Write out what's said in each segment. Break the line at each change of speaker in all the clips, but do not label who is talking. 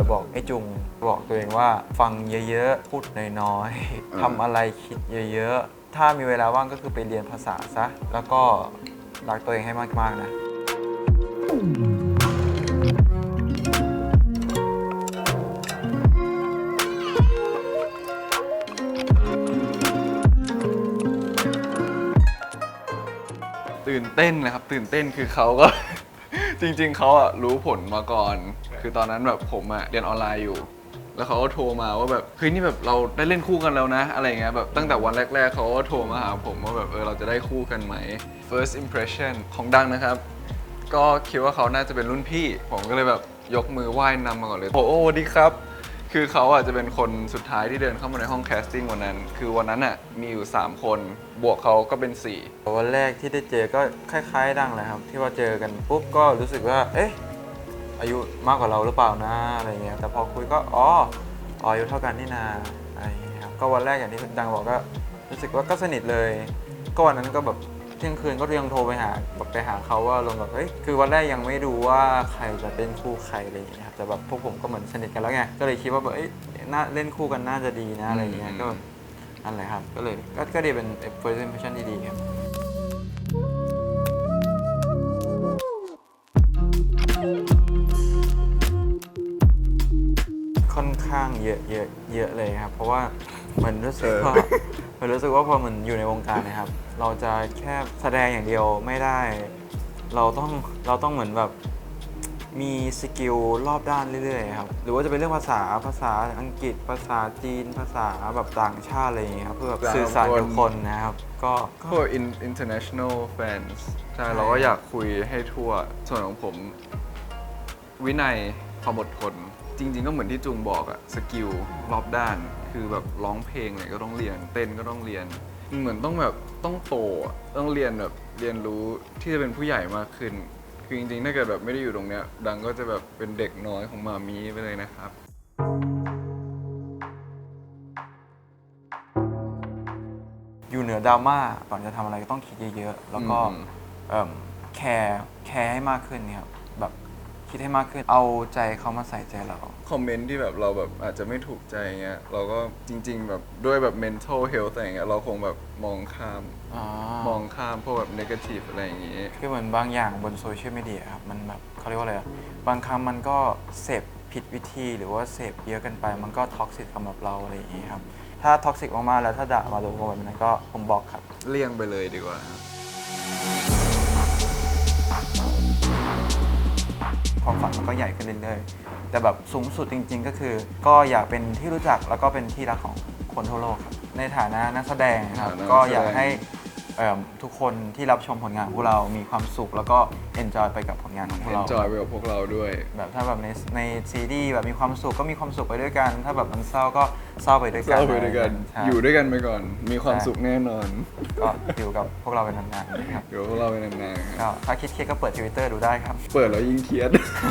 จะบอกไอ้จุงบอกตัวเองว่าฟังเยอะๆพูดน้อยๆทำอะไรคิดเยอะๆถ้ามีเวลาว่างก็คือไปเรียนภาษาซะแล้วก็รักตัวเองให้มากๆนะ
ตื่นเต้นนะครับตื่นเต้นคือเขาก็ จริงๆเขาอะรู้ผลมาก่อนคือตอนนั้นแบบผมอะเรียนออนไลน์อยู่แล้วเขาก็โทรมาว่าแบบเฮ้ยนี่แบบเราได้เล่นคู่กันแล้วนะอะไรเงี้ยแบบตั้งแต่วันแรกๆเขาก็โทรมาหาผมว่าแบบเราจะได้คู่กันไหม first impression ของดังนะครับก็คิดว่าเขาน่าจะเป็นรุ่นพี่ผมก็เลยแบบยกมือไหว้นำมาก่อนเลยโอ้สวัสดีครับคือเขาอาจจะเป็นคนสุดท้ายที่เดินเข้ามาในห้องแคสติ้งวันนั้นคือวันนั้นอ่ะมีอยู่3คนบวกเขาก็เป็น4
วันแรกที่ได้เจอก็คล้ายๆดังเลยครับที่ว่าเจอกันปุ๊บก็รู้สึกว่าเอ๊ะอายุมากกว่าเราหรือเปล่านะอะไรเงี้ยแต่พอคุยก็อายุเท่ากันนี่นาอะไรเงี้ยครับก็วันแรกอย่างที่ดังบอกก็รู้สึกว่าก็สนิทเลยก็วันนั้นก็แบบเที่ยงคืนก็ยังโทรไปหาเขาว่าลงแบบเฮ้ยคือวันแรกยังไม่รู้ว่าใครจะเป็นคู่ใครอะไรอย่างเงี้ยครับแต่แบบพวกผมก็เหมือนสนิทกันแล้วไงก็เลยคิดว่าแบบน่าเล่นคู่กันน่าจะดีนะอะไรเงี้ยก็นั่นแหละครับก็เลยก็ดีเป็น first impression ที่ดีครับค่อนข้างเยอะเลยครับเพราะว่าเหมือนรู้สึกว่าพอเหมือนอยู่ในวงการนะครับเราจะแค่แสดงอย่างเดียวไม่ได้เราต้องเหมือนแบบมีสกิลรอบด้านเรื่อยๆครับหรือว่าจะเป็นเรื่องภาษาอังกฤษภาษาจีนภาษาแบบต่างชาติอะไรอย่างเงี้ยครับเพื่อแบบสื่อสารกับคนนะครับก็
international fans ใช่เราก็อยากคุยให้ทั่วส่วนของผมวินัยความอดทนจริงๆก็เหมือนที่จุงบอกอะสกิลรอบด้านคือแบบร้องเพลงเนี่ยก็ต้องเรียนเต้นก็ต้องเรียนเหมือนต้องแบบต้องโตต้องเรียนแบบเรียนรู้ที่จะเป็นผู้ใหญ่มากขึ้นคือจริงๆถ้าเกิดแบบไม่ได้อยู่ตรงเนี้ยดังก็จะแบบเป็นเด็กน้อยของมามีไปเลยนะครับ
อยู่เหนือดราม่าก่อนจะทำอะไรก็ต้องคิดเยอะๆแล้วก็แคร์ให้มากขึ้นเนี่ยครับแบบคิดให้มากขึ้นเอาใจเขามาใส่ใจเรา
คอมเมนต์ที่แบบเราแบบอาจจะไม่ถูกใจเงี้ยเราก็จริงๆแบบด้วยแบบ mental health อะไรเงี้ยเราคงแบบมองข้ามพวกแบบ negative อะไรอย่างงี้
คือเหมือนบางอย่างบนโซเชียลมีเดียครับมันแบบเขาเรียกว่าอะไรบางครั้งมันก็เสพผิดวิธีหรือว่าเสพเยอะเกินไปมันก็ท็อกซิกสำหรับเราอะไรอย่างงี้ครับถ้าท็อกซิกมากๆแล้วถ้าด่ามาโดนแบบนั้นก็ผมบอกครับ
เลี่ยงไปเลยดีกว่า
ความฝันมันก็ใหญ่ขึ้นเรื่อยๆแต่แบบสูงสุดจริงๆก็คือก็อยากเป็นที่รู้จักแล้วก็เป็นที่รักของคนทั่วโลกครับในฐานะนักแสดงครับก็อยากให้ทุกคนที่รับชมผลงานของพวกเรามีความสุขแล้วก็เอนจอยไปกับผลงานของพวกเรา
enjoy ไปกับพวกเราด้วย
แบบถ้าแบบในซีรีส์แบบมีความสุขก็มีความสุขไปด้วยกันถ้าแบบมันเศร้าก็เศร้าไปด้วยกัน
อยู่ด้วยกันไปก่อนมีความสุขแน่นอน
ก็อยู่กับพวกเราเป็นนานๆนะครับ
อยู่กับพวกเราเป็นนาน
ๆก็ถ้าคิดเครียดก็เปิด Twitter ดูได้ครับ
เปิดแล้วยิ่งเครียด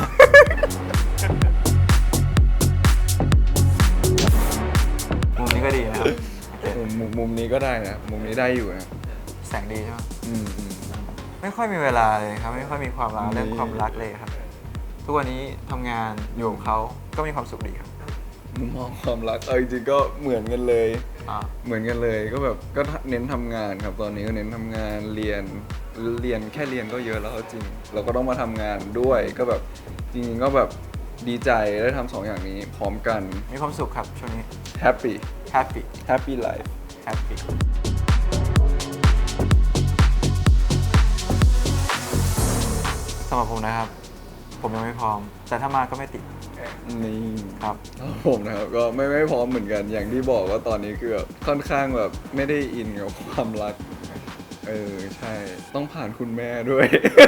มุมนี้ก็ดีนะครับ
มุมนี้ก็ได้นะมุมนี้ได้อยู่นะ
แสงดีใช่ไหมไม่ค่อยมีเวลาเลยครับไม่ค่อยมีความรักเรื่องความรักเลยครับทุกวันนี้ทำงานอยู่กับเขาก็มีความสุขดีครับ
มุมมองความรักจริงๆก็เหมือนกันเลยเหมือนกันเลยก็แบบก็เน้นทำงานครับตอนนี้ก็เน้นทำงานเรียนแค่เรียนก็เยอะแล้วจริงเราก็ต้องมาทำงานด้วยก็แบบจริงๆก็แบบดีใจได้ทำ2อย่างนี้พร้อมกัน
มีความสุขครับช่วงนี้
happy life
happyสำหรับผมนะครับผมยังไม่พร้อมแต่ถ้ามาก็ไม่ติด
นี่
ครับ
ผมนะครับก็ไม่พร้อมเหมือนกันอย่างที่บอกว่าตอนนี้คือแบบค่อนข้างแบบไม่ได้อินกับความรักใช่ต้องผ่านคุณแม่ด้วย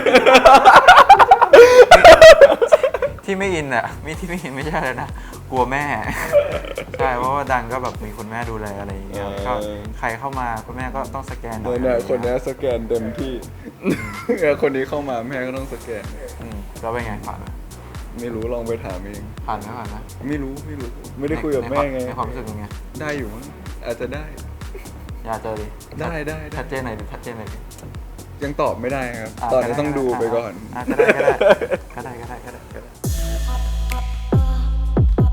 ที่ไม่อินอ่ะที่ไม่อินไม่ใช่เลยนะกลัวแม่ใช่เพราะว่าดังก็แบบมีคุณแม่ดูแลอะไรอย่างเงี้ยก็ใครเข้ามาคุณแม่ก็ต้องสแกนหน่อย
คนนี้สแกนเต็มที่คนนี้เข้ามาแม่ก็ต้องสแกน
แล้วเป็นไงผ่านไหม
ไม่รู้ลองไปถามเอง
ผ่านไหม
ไม่รู้ไม่ได้คุยกับแม่ไง
ในความรู้สึกยังไง
ได้อยู่มั้งอาจจะได้
อยากเจอดิ
ได้
ชัดเจนหน่อยดิ
ยังตอบไม่ได้ครับตอนนี้ต้องดูไปก่อน
ก็ได้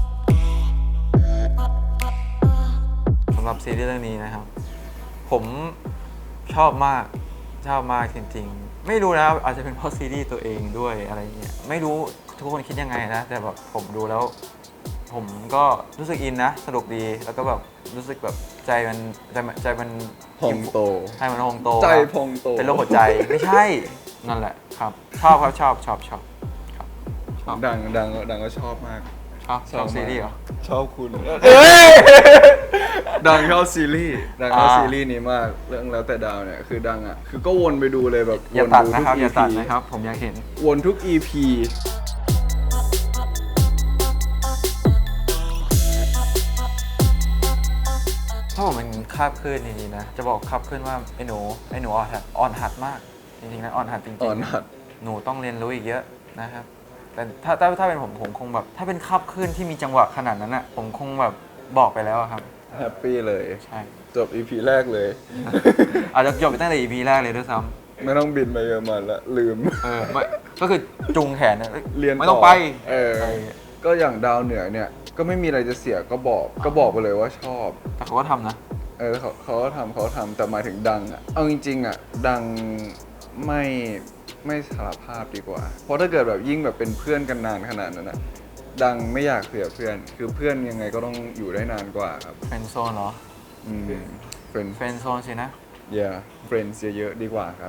ซีรีส์เรื่องนี้นะครับ ผมชอบมากจริงๆไม่รู้นะอาจจะเป็นเพราะซีรีส์ตัวเองด้วยอะไรเงี้ยไม่รู้ทุกคนคิดยังไงนะแต่แบบผมดูแล้ว ผมก็รู้สึกอินนะสนุกดีแล้วก็แบบรู้สึกแบบใจมัน
พองโต
ใจมันพองโต
ใจ
ครับ
พองโต
เป็นโรคหัวใจไม่ใช่นั่นแหละครับชอบครับชอบครับชอบ
ดังก็ชอบมาก
ชอบซีรีส์เหรอ
ชอบคุณดังชอบซีรีส์ซีรีส์นี้มากเรื่องแล้วแต่ดาวเนี่ยคือดังอ่ะคือก็วนไปดูเลยแบบ
อย่า
วน
ตัด
ดู
นะ
ทุก
ครับอย่า
EP
ตัดนะครับ ผมอยากเห็น
วนทุก EP
ถ้าผมเป็นคาบขึ้นจริงๆนะจะบอกคาบขึ้นว่าไอ้หนูอ่อนหัดมากจริงๆนะอ่อนหัดจริงๆ
อ่อนหัด
หนูต้องเรียนรู้อีกเยอะนะครับแต่ถ้าเป็นผมคงแบบถ้าเป็นคาบขึ้นที่มีจังหวะขนาดนั้นอ่ะผมคงแบบบอกไปแล้วอะครับ
แฮปปี้เลย
ใช่
จบ EP แรกเลย
อาจจะจบไปตั้งแต่ EP แรกเลยด้วยซ้
ไม่ต้องบินไปเยอรมันละลืม
ำไม่ก็คือจุงแขนนะอ้
เรียน
ไม่ต้องไป
อะไรอย่างเงี้ยก็อย่างดาวเหนือเนี่ยก็ไม่มีอะไรจะเสียก็บอกไปเลยว่าชอบ
แต่เขาก็ทำนะ
เขาก็ทำแต่หมายถึงดังอ่ะเอาจริงๆอ่ะดังไม่สารภาพดีกว่า เพราะถ้าเกิดแบบยิ่งแบบเป็นเพื่อนกันนานขนาดนั้นนะดังไม่อยากเสียเพื่อนคือเพื่อนยังไงก็ต้องอยู่ได้นานกว่าครับ
เฟรนด์โซนเหรอ
เฟรน
เฟรนด์โซนสินะ
เฟรนด์เยอะๆดีกว่าครับ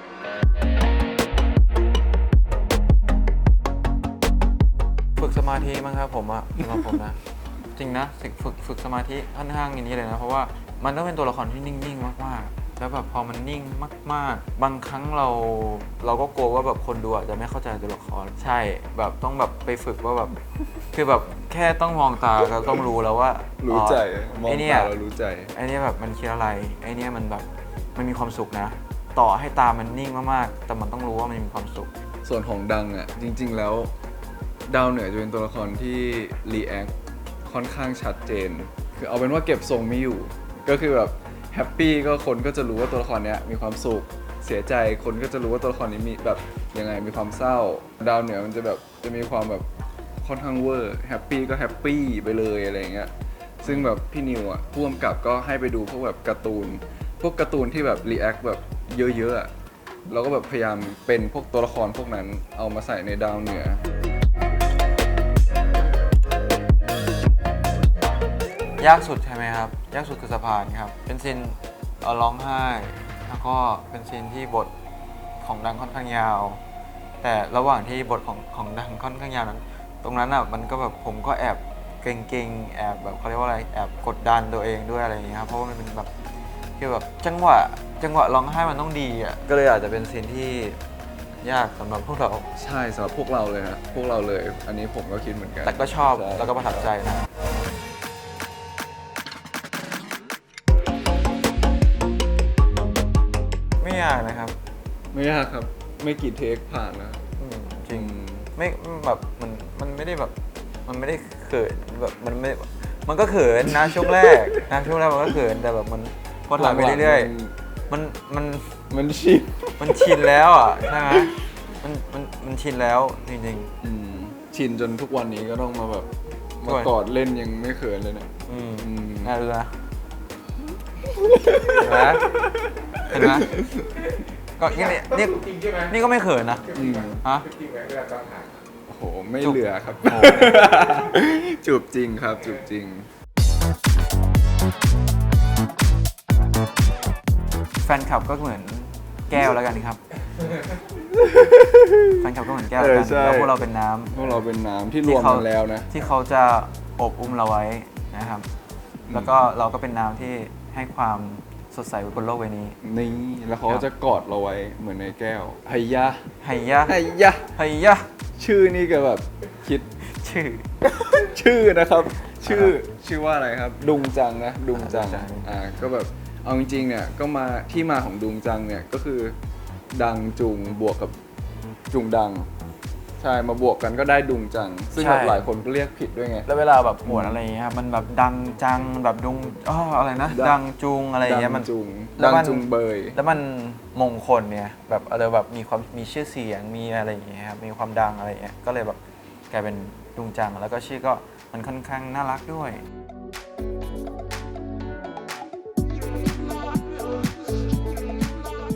ฝึกสมาธิมั้งครับผมอะสำหรับผมนะ จริงนะฝึกสมาธิค่อนข้างอย่างนี้เลยนะเพราะว่ามันต้องเป็นตัวละครที่นิ่งๆมากๆแล้วแบบพอมันนิ่งมากๆ บางครั้งเราก็กลัวว่าแบบคนดูอาจจะไม่เข้าใจตัวละครใช่แบบต้องแบบไปฝึกว่าแบบ คือแบบแค่ต้องมองตาก็ต้องรู้แล้วว่า
รู้ใจมอง
ไอ้เนี่ย
ตาเรารู้ใจ
ไอ้เนี่ยแบบมันคิดอะไรไอ้เนี่ยมันแบบมันมีความสุขนะ ต่อให้ตามันนิ่งมากๆแต่มันต้องรู้ว่ามันมีความสุข
ส่วนของดังอ่ะจริงๆแล้วดาวเหนือจะเป็นตัวละครที่รีแอคค่อนข้างชัดเจน คือเอาเป็นว่าเก็บทรงไม่อยู่ ก็คือแบบแฮปปี้ก็คนก็จะรู้ว่าตัวละครเนี้ยมีความสุขเสียใจคนก็จะรู้ว่าตัวละครนี้มีแบบยังไงมีความเศร้า ดาวเหนือมันจะแบบจะมีความแบบค่อนข้างเวอร์แฮปปี้ก็แฮปปี้ไปเลยอะไรอย่างเงี้ยซึ่งแบบพี่นิวอ่ะผู้กำกับก็ให้ไปดูพวกแบบการ์ตูนที่แบบรีแอคแบบเยอะๆอะ เราก็แบบพยายามเป็นพวกตัวละครพวกนั้นเอามาใส่ในดาวเหนือ
ยากสุดใช่ไหมครับ ยากสุดคือสะพานครับ เป็นซีนร้องไห้ แล้วก็เป็นซีนที่บทของดังค่อนข้างยาว แต่ระหว่างที่บทของดังค่อนข้างยาวนั้น ตรงนั้นอ่ะมันก็แบบผมก็แอบเกรงๆแอบแบบเขาเรียกว่าอะไรแอบกดดันตัวเองด้วยอะไรอย่างเงี้ยครับเพราะว่ามันเป็นแบบคือแบบจังหวะร้องไห้มันต้องดีอ่ะก็เลยอาจจะเป็นซีนที่ยากสำหรับพวกเรา
ใช่สำหรับพวกเราเลยนะพวกเราเลย อันนี้ผมก็คิดเหมือนกัน
แต่ก็ชอบ
ใช่
แล้วก็ประทับใจนะไม่ยากนะครับ
ไม่ยากครับ ไม่กี่เทคผ่านแล้ว
จริงไม่แบบมันไม่ได้แบบมันไม่ได้เขินแบบมันก็เขินนะช่วงแรกนะช่วงแรกมันก็เขินแต่แบบมันพอถ่ายไปเรื่อยๆมัน
ชิน
มันชินแล้วอ่ะใช่ไหมมันชินแล้วจริง
ชินจนทุกวันนี้ก็ต้องมาแบบ
ด้
มา
วย
กอดเล่นยังไม่เขินเลยเนี่ย
ๆน่าดูนะเห็นไหมเห็นไหมก็นี่ก็ไม่เขินนะฮะ
โอ้โหไม่เหลือครับ
โอ้โห
จูบจริงครับจูบจริง
แฟนคลับก็เหมือนแก้วแล้วกันครับ แฟนคลับก็เหมือนแก้วแล้วกัน
ใช่
แล้วพวกเราเป็นน้ำ
พวกเราเป็นน้ำที่รวมกันแล้วนะ
ที่เขาจะอบอุ้มเราไว้นะครับ แล้วก็เราก็เป็นน้ำที่ให้ความสดใสบนโลกใบนี้
นี่แล้วเขา
ครั
ก็
บ
จะกอดเราไว้เหมือนในแก้วไฮยะ
ไฮยะ
ไฮยะ
ไฮยะ
ชื่อนี่ก็แบบคิด
ชื่อ
นะครับ ชื่อว่าอะไรครับ ดุงจังนะดุงจัง
ดุงจัง
ก็แบบเอาจริงๆเนี่ยก็มาที่มาของดุงจังเนี่ยก็คือดังจุงบวกกับจุงดัง ใช่มาบวกกันก็ได้ดุงจัง ซึ่งแบบหลายคนก็เรียกผิดด้วยไง
แล้วเวลาแบบหมวดอะไรอย่างเงี้ยครับมันแบบดังจังแบบดุงอะไรนะ ดังจุงอะไรอย่างเงี้ยมัน แล้
ดั
ว
ง
มัน
จุงเบย
แล้วมันมงคลเนี่ยแบบแบบมีชื่อเสียงมีอะไรอย่างเงี้ยครับมีความดังอะไรอย่างเงี้ยก็เลยแบบกลายเป็นดุงจังแล้วก็ชื่อก็มันค่อนข้างน่ารักด้วย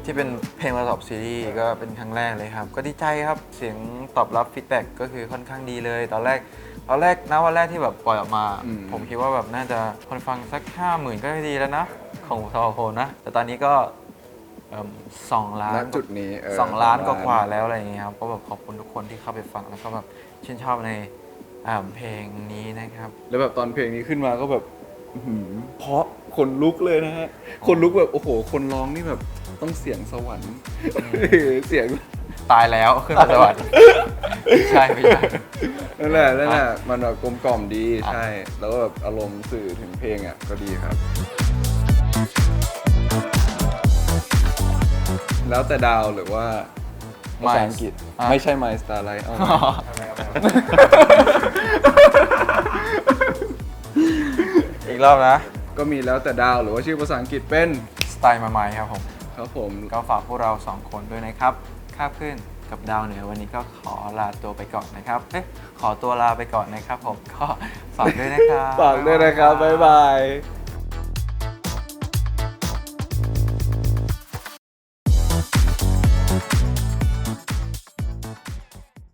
ที่เป็นเพลงประกอบซีรีส์ก็เป็นครั้งแรกเลยครับ ก็ดีใจครับเสียงตอบรับฟีดแบ็กก็คือค่อนข้างดีเลย ตอนแรกนะวันแรกที่แบบปล่อยออกมา ผมคิดว่าแบบน่าจะคนฟังสัก 50,000 ก็ดีแล้วนะ ของทอโฮนะ แต่ตอนนี้ก็2 ล้า
ณ
น
จุดนี้
2 ล้านกว่าๆแล้วอะไรอย่างเงี้ยครับก็แบบขอบคุณทุกคนที่เข้าไปฟังแล้วก็แบบชื่นชอบในเพลงนี้นะครับ
แล้วแบบตอนเพลงนี้ขึ้นมาก็แบบอื้อหือเพราะคนลุกเลยนะฮะ คนลุกแบบโอ้โห คนร้องนี่แบบต้องเสียงสวรรค์ เสียง
ตายแล้วขึ้นมาสวรรค์ ไม่ใช่
นั่นแหละมันแบบกลมกล่อมดีใช่ แล้วก็แบบอารมณ์สื่อถึงเพลงอ่ะก็ดีครับ แล้วแต่ดาวหรือว่าภาษาอังกฤษ ไม่ใช่ My Starlight เอา
อีกรอบนะ
ก็มีแล้วแต่ดาวหรือว่าชื่อภาษาอังกฤษเป็น
สไตล์มาใหม่ครับผม
ครับผม
ก็ฝากพวกเรา 2 คนด้วยนะครับคาบขึ้นกับดาวเหนือวันนี้ก็ขอลาตัวไปก่อนนะครับขอตัวลาไปก่อนนะครับผมก็ฝากด้วยนะครับ
ฝากด้วยนะครับ บ๊ายบาย